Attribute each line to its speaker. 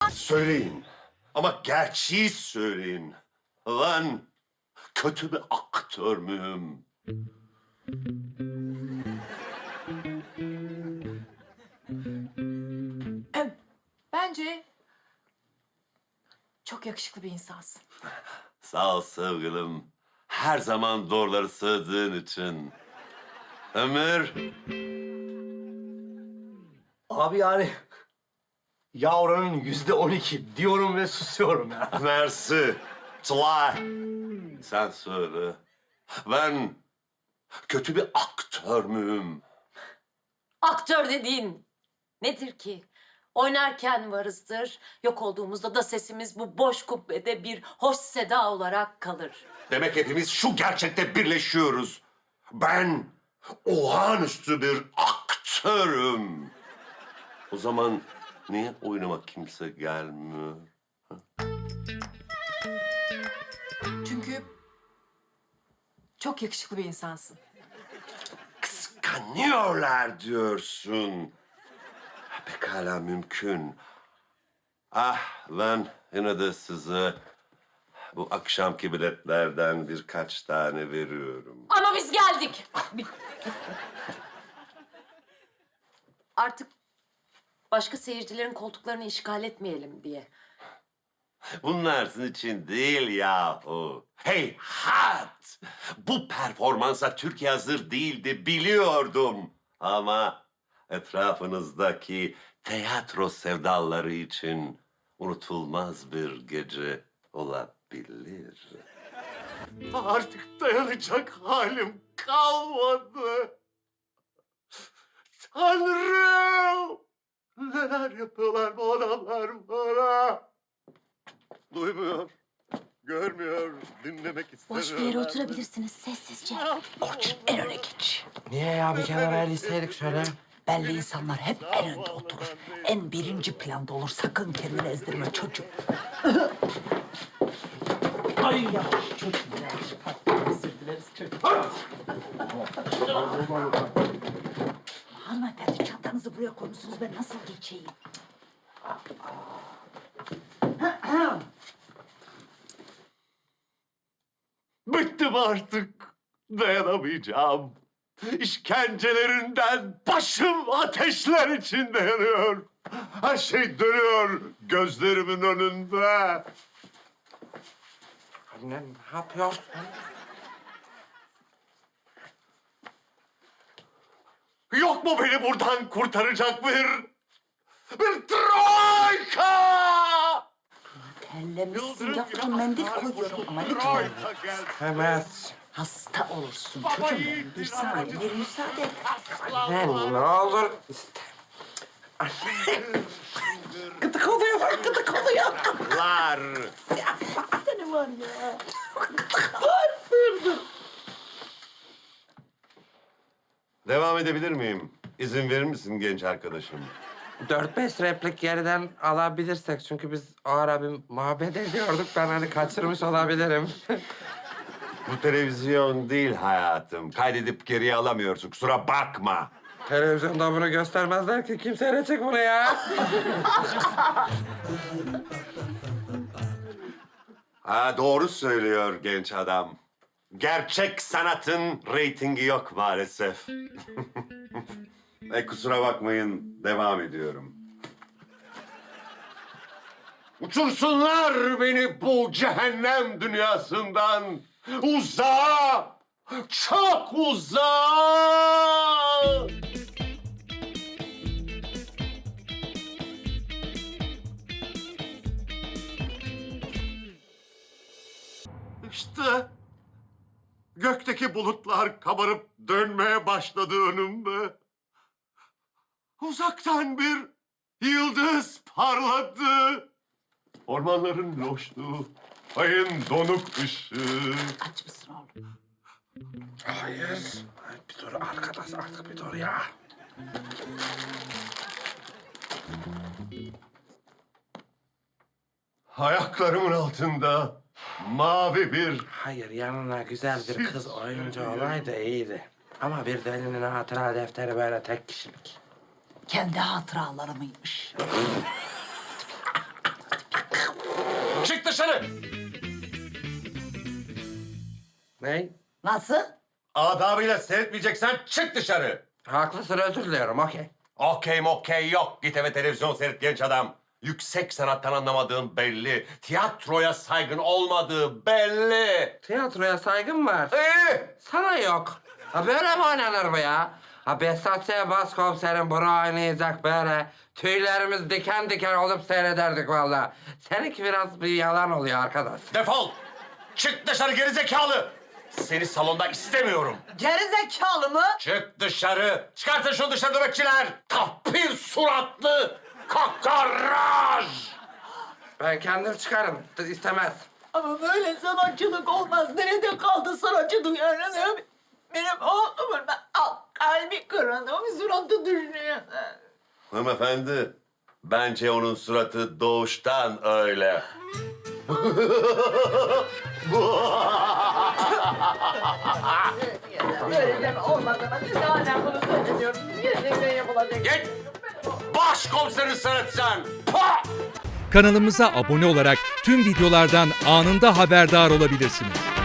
Speaker 1: Söyleyin. Ama gerçeği söyleyin. Lan kötü bir aktör müyüm?
Speaker 2: Bence çok yakışıklı bir insansın.
Speaker 1: Sağ ol sevgilim. Her zaman doğruları söylediğin için. Ömür.
Speaker 3: Abi yani ya oranın %12 diyorum ve susuyorum ya.
Speaker 1: Mersi. Tılay. Sen söyle. Ben kötü bir aktör müyüm?
Speaker 4: Aktör dediğin nedir ki? Oynarken varızdır, yok olduğumuzda da sesimiz bu boş kubbede bir hoş seda olarak kalır.
Speaker 1: Demek hepimiz şu gerçekte birleşiyoruz. Ben olağanüstü bir aktörüm. O zaman niye oynamak kimse gelmiyor?
Speaker 2: Çünkü çok yakışıklı bir insansın.
Speaker 1: Kıskanıyorlar diyorsun. Pekala mümkün. Ah ben yine de size bu akşamki biletlerden birkaç tane veriyorum.
Speaker 4: Ama biz geldik. Artık başka seyircilerin koltuklarını işgal etmeyelim diye.
Speaker 1: Bunlar sizin için değil yahu. Hey hat! Bu performansa Türkiye hazır değildi biliyordum. Ama etrafınızdaki tiyatro sevdaları için unutulmaz bir gece olabilir. Artık dayanacak halim kalmadı. Tanrım! Neler yapıyorlar bu adamlar bana? Duymuyor, görmüyor, dinlemek istemiyor.
Speaker 5: Boş bir yere oturabilirsiniz sessizce.
Speaker 6: Orçun en öne geç.
Speaker 7: Niye ya? Bir kenara el isteydik şöyle.
Speaker 6: Belli insanlar hep en önde oturur. En birinci planda olur. Sakın kendini ezdirme çocuk. Ay yavaş çocuk. Yavaş. Özür dileriz çocuk. Hanımefendi çantanızı buraya koymuşsunuz. Ben nasıl geçeyim?
Speaker 1: Bıktım artık, dayanamayacağım. İşkencelerinden başım ateşler içinde yanıyor. Her şey dönüyor gözlerimin önünde.
Speaker 7: Anne ne yapıyorsun?
Speaker 1: Yok mu beni buradan kurtaracak bir troika?
Speaker 6: Terlemişsin. Yavrum mendil koyuyorum ama lütfen.
Speaker 1: Troika geldi.
Speaker 7: Hemes.
Speaker 6: Hasta olursun çocuğum benim. Bir saniye bir müsaade et.
Speaker 7: Ne olur iste. Anne. Gıdık oluyor bak gıdık oluyor.
Speaker 1: Lar.
Speaker 6: Seni var ya.
Speaker 1: Devam edebilir miyim? İzin verir misin genç arkadaşım?
Speaker 7: 4-5 replik geriden alabilirsek çünkü biz o ara bir muhabbet ediyorduk. Ben hani kaçırmış olabilirim.
Speaker 1: Bu televizyon değil hayatım. Kaydedip geriye alamıyorsun. Kusura bakma.
Speaker 7: Televizyonda bunu göstermezler ki. Kim seyredecek bunu ya?
Speaker 1: Ha, doğru söylüyor genç adam. Gerçek sanatın reytingi yok maalesef. Kusura bakmayın, devam ediyorum. Uçursunlar beni bu cehennem dünyasından. Uzağa, çok uzağa. İşte gökteki bulutlar kabarıp dönmeye başladı önümde. Uzaktan bir yıldız parladı. Ormanların loşluğu, ayın donuk ışığı.
Speaker 6: Aç mısın oğlum?
Speaker 7: Hayır. Ay, bir dur arkadaş artık bir dur ya.
Speaker 1: Ayaklarımın altında mavi bir...
Speaker 7: Hayır yanına güzel bir kız oyuncu olaydı iyiydi. Ama bir delinin hatıra defteri böyle tek kişilik.
Speaker 6: Kendi hatıraları mıymış?
Speaker 1: dışarı.
Speaker 7: Ne?
Speaker 6: Nasıl?
Speaker 1: Adabıyla seyretmeyeceksen çık dışarı.
Speaker 7: Haklısın, özür diliyorum, okey.
Speaker 1: Okey yok. Git eve televizyon seyret genç adam. Yüksek sanattan anlamadığın belli. Tiyatroya saygın olmadığı belli.
Speaker 7: Tiyatroya saygım var. Sana yok. Ha böyle mi oynanır bu ya? Ha Behzat Ç. Başkomiserin bunu oynayacak böyle. Tüylerimiz diken diken olup seyrederdik vallahi. Seninki biraz bir yalan oluyor arkadaş.
Speaker 1: Defol. Çık dışarı gerizekalı. Seni salonda istemiyorum.
Speaker 6: Gerizekalı mı?
Speaker 1: Çık dışarı. Çıkartın şu dışarı nöbetçiler. Tapir suratlı. Kakaraj.
Speaker 7: Ben kendim çıkarım. İstemez.
Speaker 6: Ama böyle sanatçılık olmaz. Nerede kaldı sanatçı duyarım? Benim oğlumun kalbi kırıldı. O suratı düşünüyor.
Speaker 1: Hanımefendi, bence onun suratı doğuştan öyle.
Speaker 6: Böyle olmadığına biz hala bunu söylemiyoruz. Yerine yapılacak.
Speaker 1: Git! Başkomiserin sırıtsan! Pah!
Speaker 8: Kanalımıza abone olarak tüm videolardan anında haberdar olabilirsiniz.